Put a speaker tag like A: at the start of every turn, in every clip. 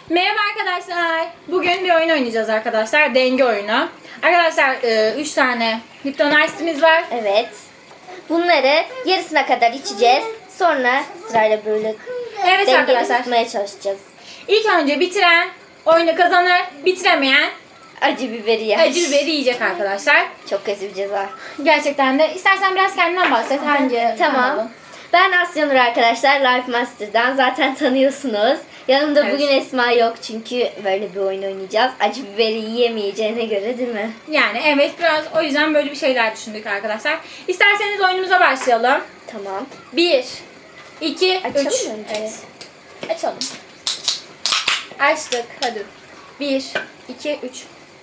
A: Merhaba arkadaşlar. Bugün bir oyun oynayacağız arkadaşlar. Denge oyunu. Arkadaşlar 3 tane Lipton Ice'imiz var.
B: Evet. Bunları yarısına kadar içeceğiz. Sonra sırayla böyle
A: Evet
B: dengeli
A: arkadaşlar.
B: tutmaya çalışacağız.
A: İlk önce bitiren oyunu kazanır. Bitiremeyen
B: Acı biberi yer.
A: acı biberi yiyecek arkadaşlar.
B: Çok kötü bir ceza.
A: Gerçekten de. İstersen biraz kendinden bahset. Hangi?
B: Tamam. Ben Asyanur arkadaşlar Life Master'dan zaten tanıyorsunuz. Yanımda
A: Evet.
B: bugün Esma yok çünkü böyle bir oyun oynayacağız. Acı biberi yiyemeyeceğine göre değil mi?
A: Yani evet biraz o yüzden böyle bir şeyler düşündük arkadaşlar. İsterseniz oyunumuza başlayalım.
B: Tamam.
A: 1, 2,
B: Açalım
A: 3.
B: mı önce?
A: Evet. Açalım. Açtık. Hadi. 1, 2, 3.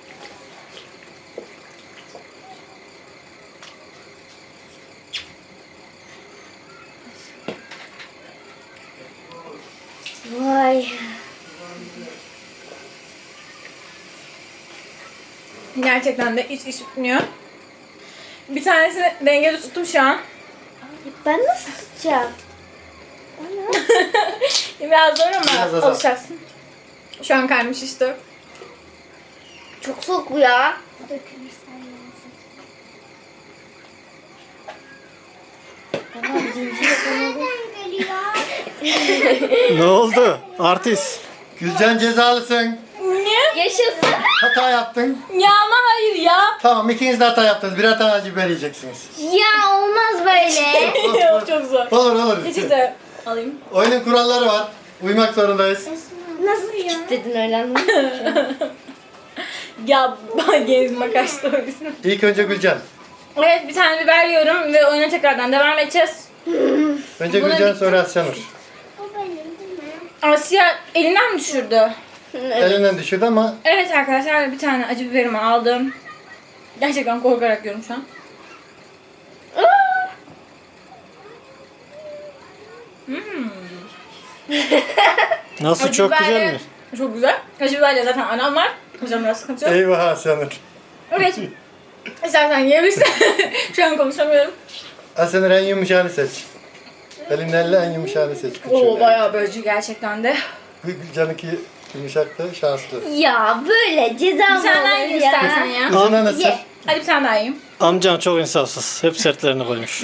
B: Vay.
A: Gerçekten de hiç bitmiyor. Bir tanesini dengede tuttum şu an.
B: Ben nasıl tutacağım?
A: Biraz zor
C: Biraz
A: ama
C: azal.
A: alışacaksın. Şu an karnım şişti.
B: Çok soğuk bu ya.
D: Ne oldu? Artist.
C: Gülcan cezalısın.
A: Niye?
B: Yaşasın.
C: Hata yaptın.
A: Ya ama hayır ya.
C: Tamam, ikiniz de hata yaptınız. Birer tane acı biber yiyeceksiniz.
B: Ya olmaz böyle.
A: Çok zor.
C: Olur.
A: Peçete alayım.
C: Oyunun kuralları var. Uymak zorundayız.
B: Nasıl kilitledin öyle anlamadım.
A: Ya gezme kaçtı o bizim.
C: İlk önce Gülcan.
A: Evet bir tane biber yiyorum ve oyuna tekrardan devam edeceğiz.
C: Önce
A: Buna
C: Gülcan
A: bitti.
C: sonra Asyanur.
A: Asya elinden mi düşürdü?
C: Elinden düşürdü ama
A: Evet arkadaşlar bir tane acı biberimi aldım. Gerçekten korkarak yiyorum şu an.
D: Nasıl
A: Acı
D: çok güzel
A: biberle-
D: mi?
A: Çok güzel. Acı biberle zaten anam var. O yüzden biraz sıkıntı yok.
C: eyvah Asyanur.
A: Evet. İstersen yiyebilirsin. Şu an konuşamıyorum.
C: Asyanur en yumuşağını seç. Elinden en yumuşağını seç.
A: Oo bayağı bölücü gerçekten de.
C: Gülcan'ınki yumuşaktı, şanslı.
B: Ya böyle ceza
A: Bir
B: mı
A: tane daha
B: olur
A: yiyeyim
B: ya?
A: istersen ya.
C: Kızına nasıl?
B: Ye.
A: Hadi bir tane daha yiyeyim.
D: Amcan çok insafsız. Hep sertlerini koymuş.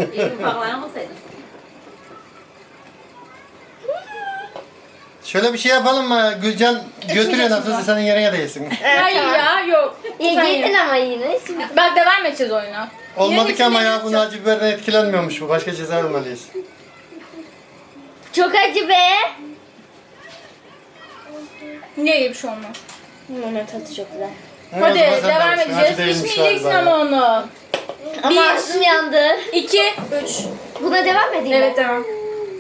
C: Şöyle bir şey yapalım mı? Gülcan götürüyor
A: geçsin
C: nasılsa senin yerine de yesin.
A: Hayır
B: tamam.
A: ya yok.
B: Ya
A: Sen
B: yedin
A: ye.
B: ama yine. Şimdi
A: Bak devam edeceğiz oyuna.
C: Olmadı ki ama ya
A: Yine
C: bunun acı biberden etkilenmiyormuş bu. Başka ceza almalıyız.
B: çok acı be.
A: Niye iyi bir şey olmaz?
B: Onun tadı çok güzel.
C: Evet,
A: Hadi
C: o zaman sen
A: devam
C: de alışsın. Acı
A: edeceğiz.
C: değilmiş
A: İçmeyeceksin
C: galiba
A: ama
C: ya.
A: onu.
B: Ama
A: Bir.
B: ağzım yandı.
A: 2, 3.
B: Buna devam edeyim
A: Evet
B: mi?
A: devam.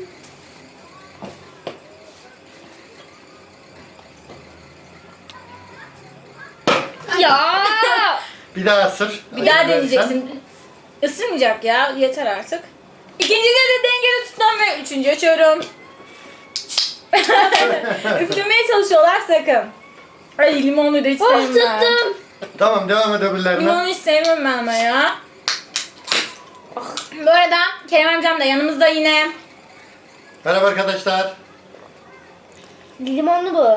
B: Ya.
C: Bir daha ısır.
A: Bir daha
C: Acı verirsen.
A: deneyeceksin. Isırmayacak ya. Yeter artık. İkinciyi de dengeli tutmam ve üçüncü açıyorum. Üflemeye çalışıyorlar sakın. Ay limonlu da hiç
B: Oh
A: sevmem.
B: tuttum.
C: Tamam, devam et öbürlerine.
A: Limonu hiç sevmem ben ama ya. Bu arada Kerem amcam da yanımızda yine.
C: Merhaba arkadaşlar.
B: Limonlu bu.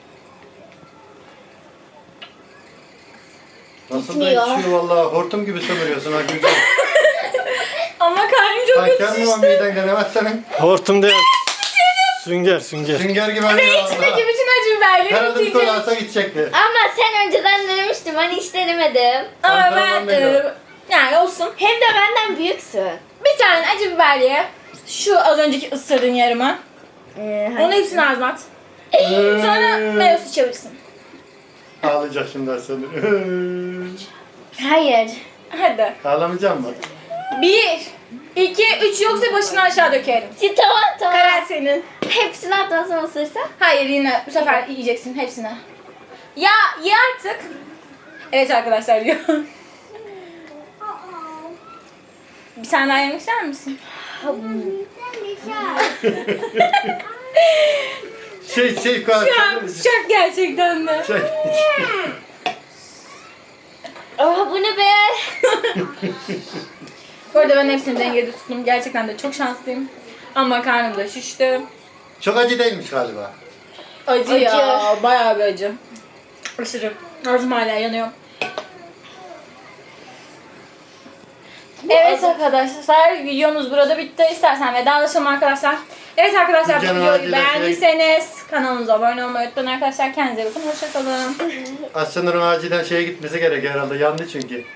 C: Nasıl da
B: Gitmiyor.
C: içiyor vallahi, hortum gibi sömürüyorsun ha Gülcan.
A: Ama karnım çok kötü
C: Sanki mı
A: şişti.
C: miden denemez senin?
D: Hortum değil. Sünger.
C: Sünger gibi arıyor
A: İçindeki
C: valla.
A: bütün acı biberleri
C: Herhalde bir kola
A: bitireceğim.
C: alsa gidecekti.
B: Ama sen önceden denemiştim. Hani hiç denemedim.
A: Ama ben
C: Antrenman veriyor.
A: yani olsun.
B: Hem de benden büyüksün.
A: Bir tane acı biber ye. Şu az önceki ısırdığın yarıma. Onu hepsini ağzına at. Sonra meyve suyu içebilirsin.
C: Ağlayacak şimdi Aslanur.
B: Hayır.
A: Hadi.
C: Ağlamayacağım mı?
A: 1, 2, 3 yoksa başını aşağı dökerim.
B: Tamam.
A: Karar senin.
B: Hepsini atmasam ısırsam.
A: Hayır yine bu sefer yiyeceksin hepsini. Ya ye artık. Evet arkadaşlar yiyor. Bir tane daha yemek ister misin?
C: Koy.
A: Şu an sıcak gerçekten de.
C: Şey.
B: Aa bu ne be?
A: Bu arada ben hepsini dengede tuttum. Gerçekten de çok şanslıyım. Ama karnım da şişti.
C: Çok acı değilmiş galiba.
A: Acı,
B: Acı.
A: ya. Bayağı bir acı. Aşırı. Ağzım hala yanıyor. Evet arkadaşlar, videomuz burada bitti. İstersen vedalaşalım arkadaşlar. Evet arkadaşlar, bu
C: Canım
A: videoyu
C: acilen
A: beğendiyseniz kanalımıza abone olmayı unutmayın arkadaşlar. Kendinize bakın. Hoşçakalın.
C: Aslanların acilen şeye gitmesi gerek herhalde. Yandı çünkü.